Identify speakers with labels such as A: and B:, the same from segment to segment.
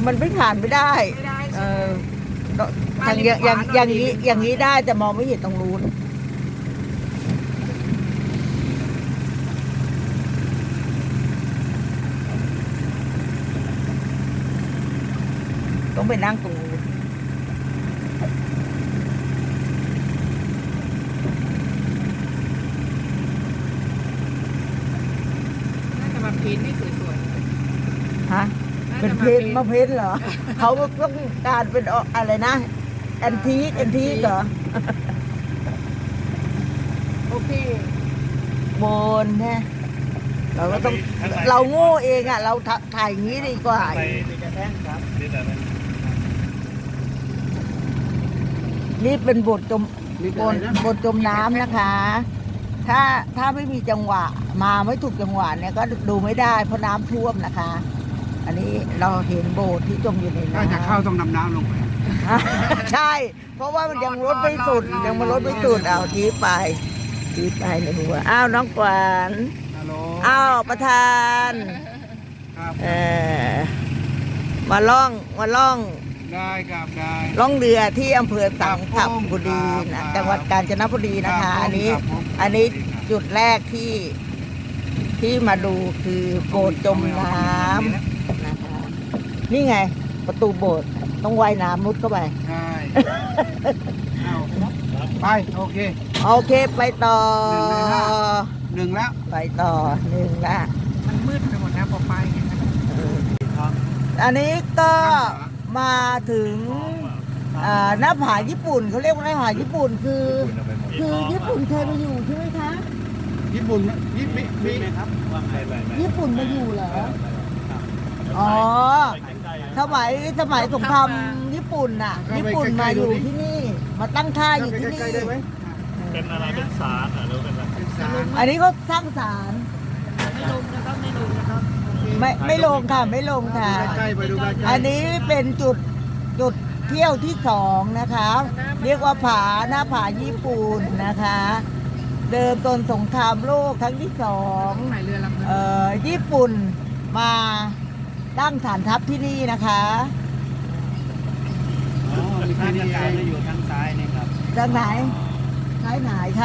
A: มันไม่ผ่านไม่ได้
B: ไม่ได้
A: เอ
B: ใช่ไหม
A: อทางอย่างนี้ได้แต่มองไม่เห็นตรงนู้นต้องไปนั่งตรงนู้น
B: น่าจะมาพิมพ์ให้สวย
A: ฮะ
B: ๆ
A: เป็นเพนมาเพนเหรอ เขาต้องการเป็นอะไรนะแอนทีคเหรอ
B: โอเค
A: โบนแน่เราก็ต้องเราโง่เองอ่ะ เราถ่ายอย่างนี้ดีกว่า
C: ไปจะแท่งครับนี่แต่นั้น
A: นี่เป็นบทจมน้ำนะคะ ถ้าไม่มีจังหวะมาไม่ถูกจังหวะเนี่ยก็ดูไม่ได้เพราะน้ำท่วมนะคะ อันนี้เราเห็นโบสถ์ที่จมอยู่ใน
D: ถ้า
A: น้ำ
D: จะเข้าต้องนำน้ำลงไป
A: ใช่ เพราะว่ามันยังลดไม่สุดยังมารถไม่สุดเอาทีไปในหัวอ้าวน้องกวาน
D: ฮัลโหล
A: อ้าวประธาน
D: ครับ
A: มาล่อง
D: ได้ครับได้
A: ล่องเรือที่อำเภอสังข
D: ครับผม
A: บุรี
D: ครั
A: นะ
D: บ
A: จังหวัดกาญจนบุรีนะคะ
D: ครับผม
A: อันนี้
D: ครับผม
A: จุดแรกที่มาดูคือโบสถ์จมน้ำนะคะนี่ไง ประตูโบสถ์ต้องว่ายน้ำมุดเข้าไป
D: ใช่เอาไปโอเค
A: โอเคไปต่อ
D: หนึ่งแล้ว
A: ไปต่อหนึ่งละ
B: มันมืดไปหมดนะพอไปเนี่ยนะ
A: อันนี้ก็มาถึงหน้าผาญี่ปุ่นเขาเรียกว่าหน้าผาญี่ปุ่นคือญี่ปุ่นเคยมาอยู่ใช่ไหมคะ
D: ญี่ปุ่นมี
C: ครับว่าไงไป
A: ญี่ปุ่นมาอยู่เหรออ๋อสมัยสงครามญี่ปุ่นน่ะ ญี่ปุ่นมาอยู่ที่นี่ มาตั้งค่ายอยู่ที่นี่
D: ใกล้ๆได้ไหม
C: เป็นอะไรเป็นสารหรือเป็นอะไร
D: เป็นสาร
A: อันนี้เขาสร้างศาล
B: ไม่ลงนะครับไม่ลงนะครับโอเค
A: ไม่ลงค่ะไม่ลงค่ะ
D: ใกล้ๆไปดูใกล้ๆ
A: อันนี้เป็นจุดเที่ยวที่สองนะคะ เรียกว่าหน้าผาญี่ปุ่นนะคะ เดิมตนสงครามโลกครั้งที่สอง
B: ต้องไหนเรือลำนึง
A: ญี่ปุ่นมาตั้งฐานทัพที่นี่นะคะ
D: อ๋อมีแค่นี้เอง
C: อยู่ทางซ้ายนี่ครับ
A: ทางไหนท้ายไหนคะ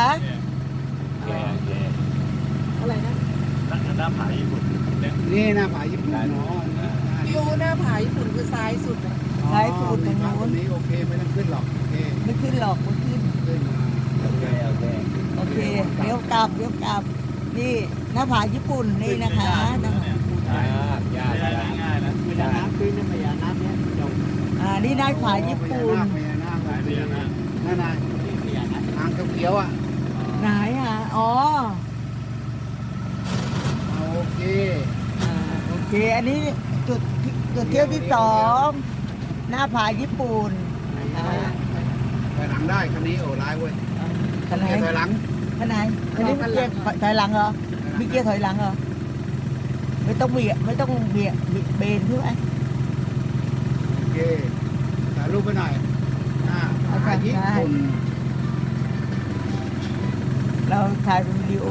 B: อะไรนะ
C: หน้าผาญี่ปุ่นเนี่ย
D: นี่หน้าผาญี่ปุ่นเนาะ
B: วิวหน้าผาญี่ปุ่นคือซ้ายสุดอะ
A: ท้ายสุดตรง
D: ตรง
A: นู้น
D: นี้โอเคไม่ต้องขึ้นหรอกโอเค
A: ไม่ขึ้นหรอกไม่ขึ้น
D: ขึ้นมา
C: โอเค
A: โอเคเดี๋ยวกลับนี่หน้าผาญี่ปุ่นนี่นะคะหน้าผา
C: ง่ายนะไม่ได้
D: น้ำขึ้นน้ำพญานาคเนี่ยจบ
A: นี่หน้าผาญี่ปุ่น
D: พญานาค
C: สายเรียนนะ
D: นั่นน่ะทางเขียวๆอ่ะ
A: ไหนอ่ะอ๋อ
D: โอเค
A: โอเคอันนี้จุดเที่ยวที่สองหน้าผาญี่ปุ่นนะคะ
D: ถอยหลังได้คันนี้โอ้ร้ายเว้ย
A: ขนาด
D: เกียร์ถอยหลัง
A: ขนาดอันนี้มีเกียร์ถอยหลังเหรอมีเกียร์ถอยหลังเหรอไม่ต้องเบียดเบนใช่ไหม
D: โอเคถ่ายรูปไปหน่อยผาญี่ปุ่น
A: เราถ่ายเป็นวิดีโอ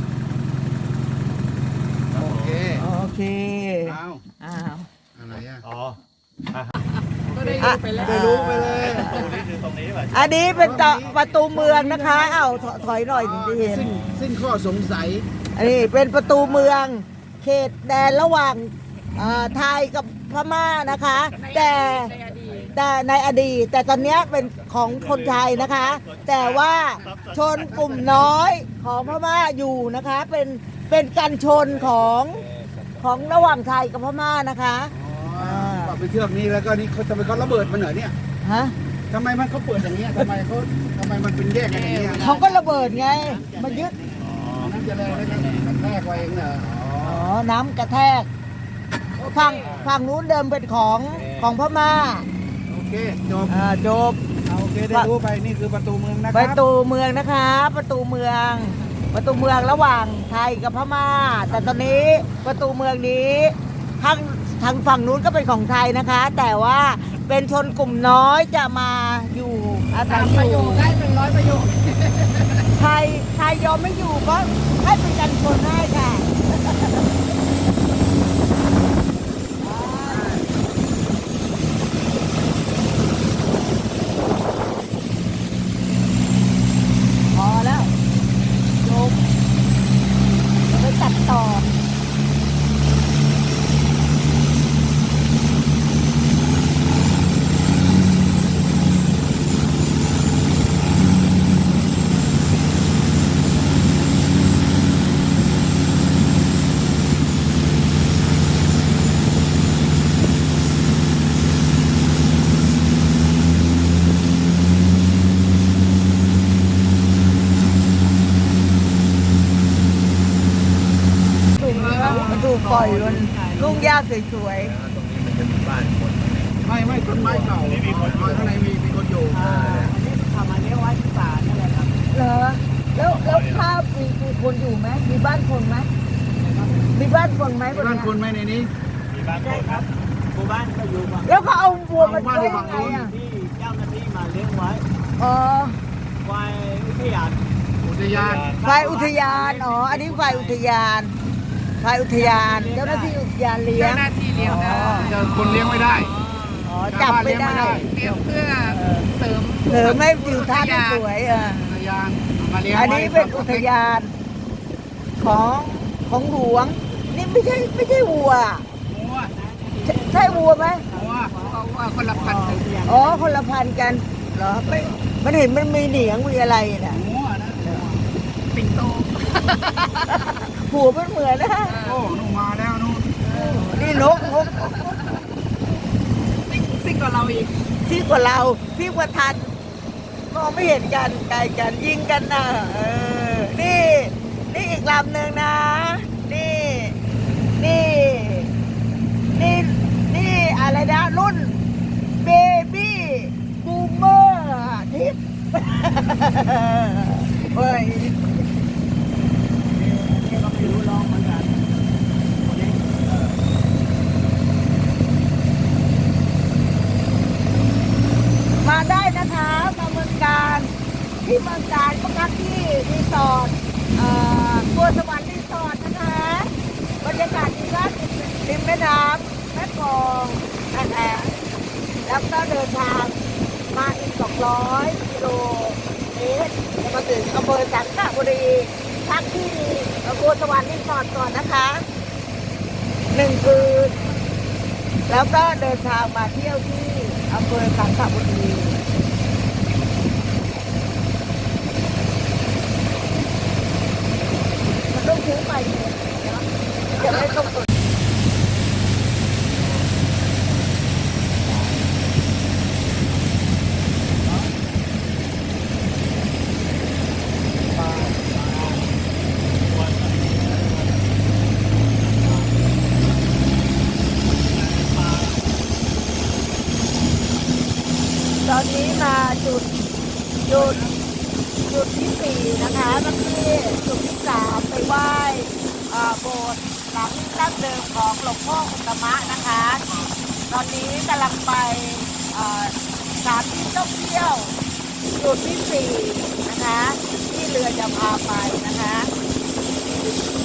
D: โอเค
A: โอเค
D: เอา
A: อ้าว
D: อะไรอ่ะ
C: อ๋อ
B: ก็ได้รู้ไปแล้ว
D: ได้รู้ไปเลย
C: ตรงนี้คือตรงนี้ป่ะ
A: อันนี้เป็นประตูเมืองนะคะเอ้าถอยหน่อยถึงจะเห็น
D: สิ้นข้อสงสัย
A: อันนี้เป็นประตูเมือง เขตแดนระหว่างไทยกับพม่านะคะ แต่
B: ในอดีต
A: ในอดีตแต่ตอนเนี้ยเป็นของคนไทยนะคะ แต่ว่าชนกลุ่มน้อยของพม่าอยู่นะคะ เป็นกันชนของระหว่างไทยกับพม่านะคะ
D: อ๋อไปเทือกนี้แล้วก็นี่เขาทำไมเขาระเบิดมันเหรอเนี่ย
A: ฮะ
D: ทำไมมันเขาเปิดอย่างเงี้ยทำไมมันเป็นแยกกันอย่างเงี้ย
A: เขาก็ระเบิดไงมายึด
D: น้ำจะแรงแล้วกันแทกไว้เองเหรอ
A: อ๋อน้ำกระแทกฝั่งนู้นเดิมเป็นของพม่า
D: โอเคจบ
A: จบ
D: โอเคได้รู้ไปนี่คือประตูเมืองนะค
A: ป
D: รั
A: ระตูเมืองนะคะ ประตูเมืองระหว่างไทยกับพม่า แต่ตอนนี้ประตูเมืองนี้ทางฝั่งนู้นก็เป็นของไทยนะคะ แต่ว่าเป็นชนกลุ่มน้อยจะมาอยู่อาศัย
B: 3 ประ
A: อ
B: โย
A: ยู่
B: คได้100 ประโยค
A: ไทยยอมไม่อยู่ก็ให้เป็นกันชนได้ค่ะปล่อยมันลุ่งหญ้าสวย
E: ตรงนี้มันจะมีบ้านคน
D: ไม่ต้นไม้เก่าข้างในมีคนอยู่
B: ทำอันนี้ไว้ที่ป่านั่นแหละครับ
A: ๆเหรอแล้วถ้ามีคนอยู่ไหมมีบ้านคนไหมมีบ้านคนไหม
D: บ้านคนไหมในนี้
C: มีบ้านคนครับหมู่บ้านก็อยู่ฝั่ง
A: แล้วเขาเอาวัวมาไว้ยังไงอ่ะ
C: ที่เจ้าหน้าที่มาเลี้ยงไว้
A: อ๋อ
C: ไว้อุทยาน
D: อุทยาน
A: ฝ่ายอุทยานอ๋ออันนี้ฝ่ายอุทยานฝ่ายอุทยานเจ้าหน้าที่อุทยานเลี้ย
B: เจ้าง หน้าที่เลี้ยงได้
D: จะคนเลี้ยงไม่ได้
A: อ๋อจับไม่ได้
B: เลี้ยงเพื่อเสริม
A: เสริมให้วิวทัศน์สวยอ่ะ
D: อุทยานมาเลี้ยง
A: อันนี้เป็นอุทยานของหลวง นี่ไม่ใช่วัว
D: หัว
A: ใช่วัวไหม
D: หัว
B: ว่าคนละพันธุ์กัน
A: อ๋อคนละพันธุ์กันเหรอไม่มันเห็นมันมีเหนียงมีอะไรน่ะ
D: หัวนะ
B: ปิ่นโต
A: หัวมันเหมือนนะ
D: โอ้นู่นมาแล้วนู่น
A: นี่นก
B: ซิ่งกว่าเราอีก
A: ที่กว่าเราที่กว่าทันมองไม่เห็นกันไกลกันยิงกันนะนี่อีกลำหนึ่งนะนี่อะไรนะรุ่นเบบี้บูมเมอร์ทิปเฮ้ยนี่ก็ไม่รู้ร้องเหมือนกันมาได้นะคะมาเมืองการที่เมืองการก็พักที่รีสอร์ทบัวสวรรค์รีสอร์ทนะคะบรรยากาศดีมากริมแม่น้ำแม่กลองนะคะแล้วก็เดินทางมาอีก200 กิโลเมตรจะมาถึงอำเภอสังขบุรีพักที่บัวสวรรค์รีสอร์ทก่อนนะคะ1 คืนแล้วก็เดินทางมาเที่ยวที่อำเภอสังขบุรีมันต้องซื้อไปเนี่ยจะไม่ต้องกดตอนนี้มาจุดที่4นะคะก็คือจุดที่3ไปไหว้โบสถ์หลังดั้งเดิมของหลวงพ่ออุตตมะนะคะ ตอนนี้กำลังไปสถานที่ท่องเที่ยวจุดที่4นะคะที่เรือจะพาไปนะคะ